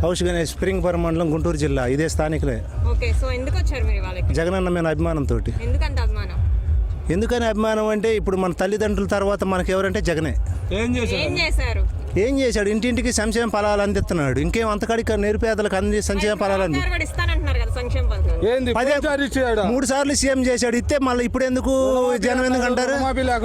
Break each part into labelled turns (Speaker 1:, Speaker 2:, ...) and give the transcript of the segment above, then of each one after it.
Speaker 1: House Ganesh స్ప్రింగ్పురం మండలం గుంటూరు జిల్లా. ఇదే స్థానికులే.
Speaker 2: ఓకే, సో ఎందుకు వచ్చారు మీరు వాళ్ళకి?
Speaker 1: జగనన్న మీద అభిమానంతో.
Speaker 2: ఎందుకంత అభిమానం?
Speaker 1: ఎందుకని అభిమానం అంటే ఇప్పుడు మన తల్లిదండ్రుల తర్వాత మనకు ఎవరంటే జగనే.
Speaker 2: ఏం చేశారు?
Speaker 1: ఏం చేశాడు? ఇంటింటికి సంక్షేమ ఫలాలు అందిస్తున్నాడు. ఇంకేం అంతకాడికి నిరుపేదలకు అంది సంక్షేమ ఫలాలు అంది. 3 సార్లు సీఎం చేశాడు. ఇస్తే మళ్ళీ ఇప్పుడు ఎందుకు జనం ఎందుకు అంటారు?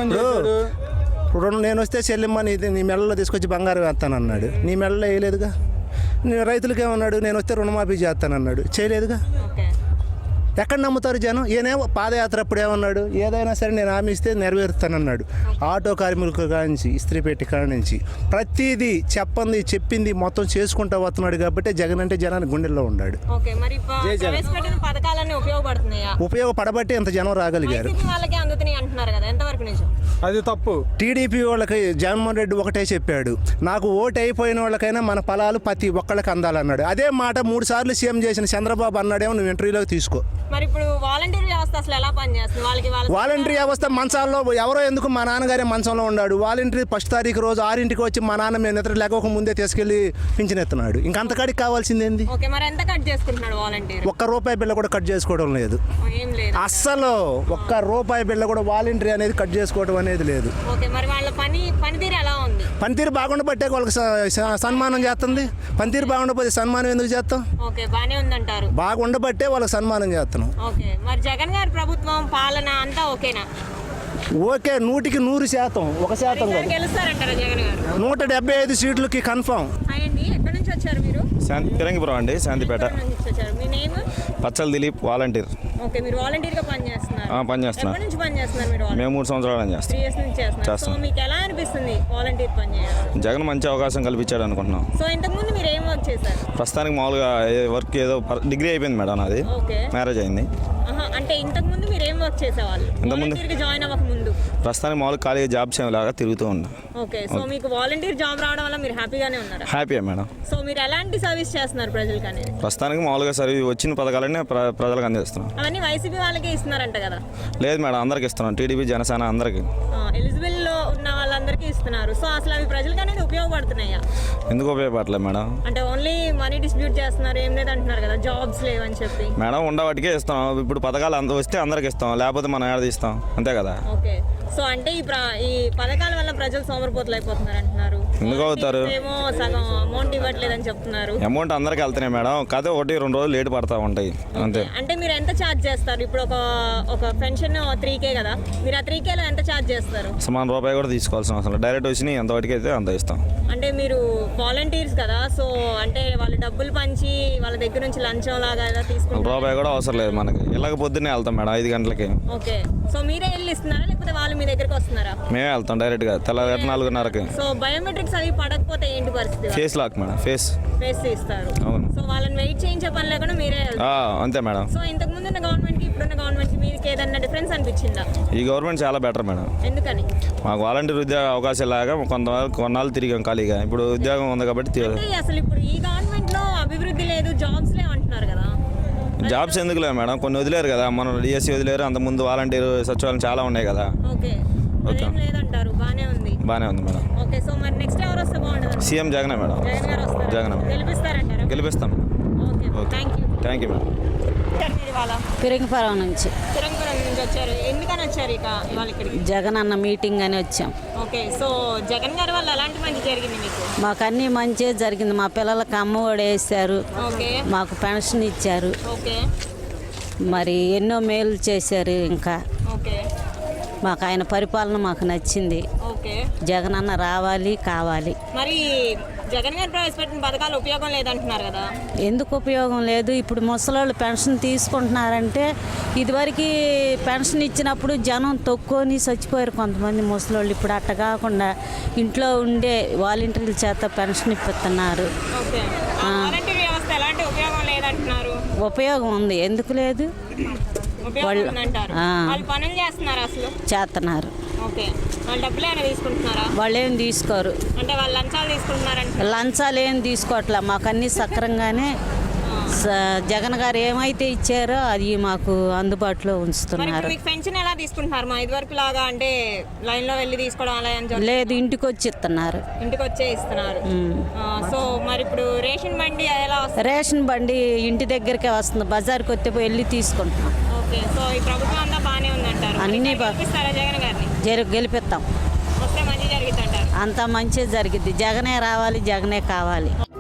Speaker 1: నేను వస్తే చెల్లెమ్మ నీ మెడలో తీసుకొచ్చి బంగారం వేస్తానన్నాడు. నీ మెడలో వేయలేదుగా. రైతులకి ఏమన్నాడు? నేను వస్తే రుణమాఫీ చేస్తానన్నాడు. చేయలేదుగా. ఎక్కడ నమ్ముతారు జనం? ఈయనేమో పాదయాత్ర అప్పుడు ఏమన్నాడు? ఏదైనా సరే నేను హామీ ఇస్తే నెరవేరుస్తానన్నాడు. ఆటో కార్మికుల కానించి ఇస్త్రీ పెట్టి కానించి ప్రతిదీ చెప్పింది మొత్తం చేసుకుంటూ వస్తున్నాడు. కాబట్టి జగన్ అంటే జనానికి గుండెల్లో ఉన్నాడు. ఉపయోగపడబట్టి ఇంత జనం రాగలిగారు.
Speaker 3: అది తప్పు.
Speaker 1: టీడీపీ వాళ్ళకి జగన్మోహన్ రెడ్డి ఒకటే చెప్పాడు, నాకు ఓటు అయిపోయిన వాళ్ళకైనా మన ఫలాలు ప్రతి ఒక్కళ్ళకి అందాలన్నాడు. అదే మాట 3 సార్లు సీఎం చేసిన చంద్రబాబు అన్నాడేమో, నువ్వు ఇంటర్వ్యూలోకి తీసుకో.
Speaker 2: మరి ఇప్పుడు వాలంటీర్ వ్యవస్థ అసలు ఎలా పనిచేస్తుంది?
Speaker 1: వాలంటీర్ వ్యవస్థ మంచాల్లో ఎవరో ఎందుకు మా నాన్నగారే మంచంలో ఉన్నాడు. వాలంటీర్ 1 తారీఖు రోజు 6కి వచ్చి మా నాన్న మేము నిద్ర లేక ముందే తీసుకెళ్లి పింఛన్ ఎత్తున్నాడు. ఇంకంతకాడికి కావాల్సిందేంది? ₹1 బిల్ల కూడా కట్ చేసుకోవడం లేదు. అస్సలు ₹1 బిల్ల కూడా వాలంటీర్ అనేది కట్ చేసుకోవడం అనేది లేదు. పనితీరు బాగుండబట్టే వాళ్ళకి సన్మానం చేస్తుంది. పనితీరు బాగుండకపోతే సన్మానం ఎందుకు చేస్తాం? బాగుండబట్టే వాళ్ళకి సన్మానం చేస్తున్నాం.
Speaker 2: మరి జగన్ గారి ప్రభుత్వం పాలన అంతా ఓకేనా?
Speaker 1: ఓకే, 100కి 100%. 1%
Speaker 2: గెలుస్తారంటారా జగన్ గారు?
Speaker 1: 175 సీట్లకి కన్ఫర్మ్.
Speaker 2: ఎక్కడి నుంచి వచ్చారు మీరు?
Speaker 4: ఫిరంగిపురం అండి, శాంతిపేట.
Speaker 2: మీ name?
Speaker 4: Pachala Dilip, volunteer.
Speaker 2: Okay, మీరు వాలంటీర్ గా పనిచేస్తున్నారు?
Speaker 4: పనిచేస్తున్నారు.
Speaker 2: ఎప్పటి నుంచి పనిచేస్తున్నారు మీరు?
Speaker 4: మేము 3 సంవత్సరాలు చేస్తాం.
Speaker 2: 3 years నుంచి చేస్తున్నారు. సో మీకు ఎలా అనిపిస్తుంది వాలంటీర్ పని చేయడం?
Speaker 4: జగన్ మంచి అవకాశం కల్పించాడు అనుకుంటున్నాం.
Speaker 2: సో ఇంతకు ముందు మీరు ఏం వర్క్ చేశారు?
Speaker 4: ప్రస్తుతానికి మామూలుగా వర్క్ ఏదో డిగ్రీ అయిపోయింది మేడం, నాది. మ్యారేజ్ అయింది.
Speaker 2: అంటే ఇంతకు ముందు మీరు ఏం వర్క్ చేసేవాళ్ళు? వాలంటీర్ గా జాయిన్ అవ్వక ముందు
Speaker 4: ప్రస్తుతానికి మామూలుగా ఖాళీ జాబ్స్ లాగా తిరుగుతూ ఉన్నా.
Speaker 2: ఓకే, సో మీకు వాలంటీర్ జాబ్ రావడం వల్ల మీరు హ్యాపీగానే ఉన్నారా?
Speaker 4: హ్యాపీయే మేడం.
Speaker 2: సో మీరు ఎలాంటి సర్వీస్ చేస్తున్నారు ప్రజలకు అనేది?
Speaker 4: ప్రస్తుతానికి మామూలుగా సర్వీస్ వచ్చిన పథకాలన్నీ ప్రజలకు అందిస్తున్నాం.
Speaker 2: అవన్నీ వైసీపీ వాళ్ళకే ఇస్తున్నారంట కదా?
Speaker 4: లేదు మేడం, అందరికి ఇస్తున్నాం. టీడీపీ, జనసేన అందరికి.
Speaker 2: ఎలిజిబుల్ లో ఉన్న వాళ్ళందరికీ ఇస్తున్నారు. సో అసలు అవి ప్రజలకు అనేది ఉపయోగపడుతున్నాయా?
Speaker 4: ఎందుకు ఉపయోగపడలేదు మేడం?
Speaker 2: అంటే ఓన్లీ మనీ డిస్ట్రిబ్యూట్ చేస్తున్నారు, ఏం లేదు అంటున్నారు కదా, జాబ్స్ లేవని చెప్పి.
Speaker 4: మేడం ఉండవాటికే ఇస్తాం. ఇప్పుడు పథకాలు వస్తే అందరికి ఇస్తాం, లేకపోతే మనం ఏడాది ఇస్తాం, అంతే కదా.
Speaker 2: ఓకే, సో అంటే ఈ పథకాల వల్ల ప్రజలు సోమరిపోతులు అయిపోతున్నారు అంటున్నారు.
Speaker 4: ఎందుకు అవుతారు?
Speaker 2: ఏమో సగం అమౌంట్ ఇవ్వట్లేదని చెప్తున్నారు.
Speaker 4: అమౌంట్ అందరికి వెళ్తున్నాయి మేడం, కాకపోతే 1-2 రోజులు లేట్ పడతా ఉంటాయి, అంతే.
Speaker 2: అంటే మీరు ఎంత ఛార్జ్ చేస్తారు? ఇప్పుడు ఒక పెన్షన్ 3K కదా, మీరు ఆ 3Kలో ఎంత ఛార్జ్ చేస్తారు?
Speaker 4: సమాన రూపాయి కూడా తీసుకోవాల్సిన అవసరం, డైరెక్ట్ వచ్చి ఎంత వాటికి అయితే అంత ఇస్తాం.
Speaker 2: అంటే మీరు వాలంటీర్స్ కదా, సో అంటే వాళ్ళు డబ్బులు పంచి వాళ్ళ దగ్గర నుంచి లంచం లాగా తీసుకుంటారు.
Speaker 4: రూపాయి కూడా అవసరం లేదు మనకి. ఇలాగ పొద్దున్నే వెళ్తాం మేడం 5 గంటలకి.
Speaker 2: ఓకే, సో మీరే వెళ్ళి ఇస్తున్నారా లేకపోతే వాళ్ళు మీ దగ్గరికి వస్తున్నారా?
Speaker 4: మేమే వెళ్తాం డైరెక్ట్ గా, తెల్లవారు 4:30కి.
Speaker 2: సో బయోమెట్రిక్స్ అవి పడకపోతే ఏంటి పరిస్థితి?
Speaker 4: ఫేస్ లాక్ మేడం, ఫేస్
Speaker 2: ఇస్తారు.
Speaker 4: అవును.
Speaker 2: సో వాళ్ళని వెయిట్ చేయించే పని లేకుండా మీరే
Speaker 4: అంతే మేడం.
Speaker 2: సో ఇంతకు ముందు ఉన్న గవర్నమెంట్ కి ఇప్పుడున్న గవర్నమెంట్ కి మీకు ఏదన్నా డిఫరెన్స్ అనిపించిందా?
Speaker 4: ఈ గవర్నమెంట్ చాలా బెటర్ మేడం.
Speaker 2: ఎందుకని?
Speaker 4: మాకు వాలంటీర్ ఉద్యోగ అవకాశం లాగా కొన్నాళ్ళు తిరిగాం ఖాళీగా, ఇప్పుడు ఉద్యోగం ఉంది కాబట్టి.
Speaker 2: అసలు ఇప్పుడు ఈ గవర్నమెంట్ లో అభివృద్ధి లేదు, జాబ్స్ లేవు అంటున్నారు కదా.
Speaker 4: జాబ్స్ ఎందుకు లేదు మేడం? కొన్ని వదిలేరు కదా, మనం డిఎస్సి వదిలేరు, అంత ముందు వాలంటీర్ సచివాలయం చాలా ఉన్నాయి కదా.
Speaker 2: ఓకే, లేదంటారు. బానే ఉంది
Speaker 4: మేడం.
Speaker 2: ఓకే, సో మరి నెక్స్ట్ ఎవరు వస్తే బాగుంటుంది?
Speaker 4: సీఎం జగనే మేడం.
Speaker 2: జగన్ గారు వస్తారు.
Speaker 4: జగన్
Speaker 2: గెలిపిస్తారంటారా?
Speaker 4: గెలిపిస్తాం.
Speaker 2: Okay, thank you
Speaker 4: madam.
Speaker 5: Phirangipuram నుంచి
Speaker 2: వచ్చారు. ఎందుకని వచ్చారు ఇవాళ ఇక్కడికి?
Speaker 5: జగన్ అన్న మీటింగ్ అని వచ్చాం.
Speaker 2: ఓకే, సో జగన్ గారి వల్ల ఎలాంటి మంచి జరిగింది మీకు?
Speaker 5: మాకు అన్ని మంచిగా జరిగింది. మా పిల్లలకు అమ్మఒడి వేశారు, మాకు పెన్షన్ ఇచ్చారు, మరి ఎన్నో మేలు చేశారు. ఇంకా మాకు ఆయన పరిపాలన మాకు నచ్చింది. జగన్ అన్న రావాలి, కావాలి.
Speaker 2: మరి జగన్ గారు ప్రవేశపెట్టిన పథకాలు ఉపయోగం లేదంటున్నారు కదా?
Speaker 5: ఎందుకు ఉపయోగం లేదు? ఇప్పుడు ముసలోళ్ళు పెన్షన్ తీసుకుంటున్నారంటే, ఇదివరకు పెన్షన్ ఇచ్చినప్పుడు జనం తొక్కొని చచ్చిపోయారు కొంతమంది ముసలోళ్ళు. ఇప్పుడు అట్ట కాకుండా ఇంట్లో ఉండే వాలంటీర్ల చేత పెన్షన్ ఇప్పిస్తున్నారు. ఉపయోగం ఉంది, ఎందుకు లేదు? చేస్తున్నారు. వాళ్ళు ఏం తీసుకోరు.
Speaker 2: అంటే వాళ్ళు లంచాలు తీసుకుంటున్నారంటే?
Speaker 5: లంచాలు ఏం తీసుకోవట్లే, మాకు అన్ని సక్రంగానే జగన్ గారు ఏమైతే ఇచ్చారో అది మాకు అందుబాటులో
Speaker 2: మరి
Speaker 5: ఉంచుతున్నారు.
Speaker 2: ఇప్పుడు మీకు పెన్షన్ ఎలా తీసుకుంటున్నారు మా ఇదివరకు లాగా, అంటే లైన్ లో వెళ్ళి తీసుకోవడం అలా అని చెప్పి
Speaker 5: లేదు, ఇంటికి వచ్చి ఇస్తున్నారు.
Speaker 2: ఇంటికి వచ్చే ఇస్తున్నారు. సో మరి ఇప్పుడు రేషన్ బండి ఎలా వస్తుంది?
Speaker 5: రేషన్ బండి ఇంటి దగ్గరికే వస్తుంది, బజార్కి వస్తే వెళ్ళి తీసుకుంటున్నాం.
Speaker 2: ఓకే, సో ఈ ప్రభుత్వం అంతా బాగానే ఉందంటారు.
Speaker 5: అన్నీ
Speaker 2: గెలిపిస్తారా జగన్ గారిని?
Speaker 5: గెలిపిస్తాం.
Speaker 2: వస్తే మంచి జరుగుతుంటారు.
Speaker 5: అంతా మంచి జరిగిద్ది. జగనే రావాలి, జగనే కావాలి.